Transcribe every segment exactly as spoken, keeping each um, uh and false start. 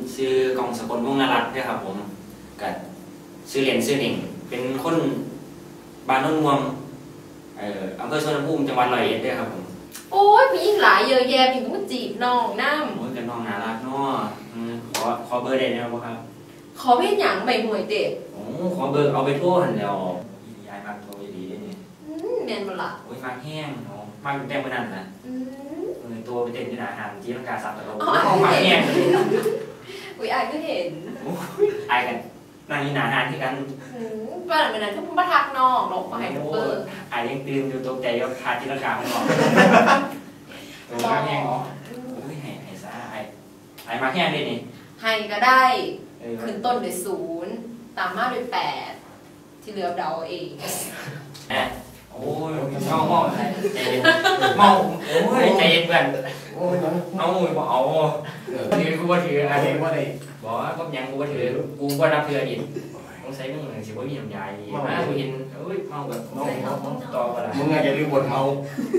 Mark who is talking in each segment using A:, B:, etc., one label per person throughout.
A: ชื่อกองสกลวงศ์นรัตน์ด้วยครับผมกับชื่อเรียนชื่อหนิงเป็นคนบ้านโนนม่วงเอ่ออำเภอสวนภูมิจังหวัดร้อยเอ็ดด้วยครับผม
B: โอ้ยผู้หญิงหลายเยอะแยะพี่ต้องจีบน้องน้ำ
A: โอ้ยกับน้องน่ารักเนาะขอขอเบอร์ได้ไหมครับ
B: ขอเป็นอย่างใบหมวยเด็ด
A: โอ้ขอเบอร์เอาไปโทรหันแล้วยายมากโทรดีได้เนี่ย
B: แมนบ่ล่ะ
A: โอ้ยมากแห้งเนาะมากแต้มมันนั่นนะเออตัวไปเต้นที่ไหนหางจีนกาสับตะโลมากแห้ง
B: อุ้ยอายก็เห็น
A: อายกันนั่งนี่หนาหานที่กัน
B: บ้านเป็นอะไรที่พุ่งประทักน้องหลอกมาให้เบอร์
A: อายยังตื่นอยู่ตกใจว่าขาดจีนกาไม่ออกตัวมากแห้งโอ้ยให้ให้ซะอายอายมากแห้งเลยนี่
B: ให้ก็ได้ขึ้นต้นด้วยศูนย์ตามมาด้วยแปดที่เหลือเดาเอง
A: แอะโอ้ยเมาเมาใจเย็นเมาโอ้ยใจเย็นเพื่อนโอ้ยเอาบอกเอาถือกูว่าถืออะไรว่าอะไรบอกว่าก็ยังกูว่าถือกูว่ารับเพื่อดิต้องใช้มึงสิว่ามีน้ำยาดีมากูเห็นเอ้ยเมาแบบเมาเมาต่อกันละ
C: มึงอย่าลืมบทเมา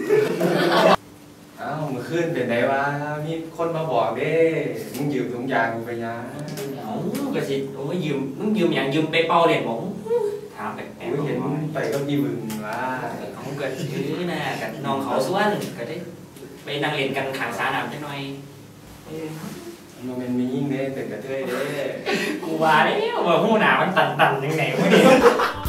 C: อ้าวมึงขึ้นเป็นไงวะมีคนมาบอกเด้มึงยืมถุงยางกูไปยา
A: โอ้ก็สิโอ้ยยืมมึงยืมอย่างยืมไปเป่าเด็ดบอกถามแปลกๆ
C: เห็นไปก็มีมึงว่า
A: เขาเกิดชื่อน่ะกับน้องเขาส่วนก็ได้ไปนั่งเรียนกันขางสาหนามจังหน่อย
C: มันเป็นมียิ่งเด้เป็นกระเทยเด้
A: กูว่าเนี่ยว่าหูหนามันตันๆยังไงวะเนี่ย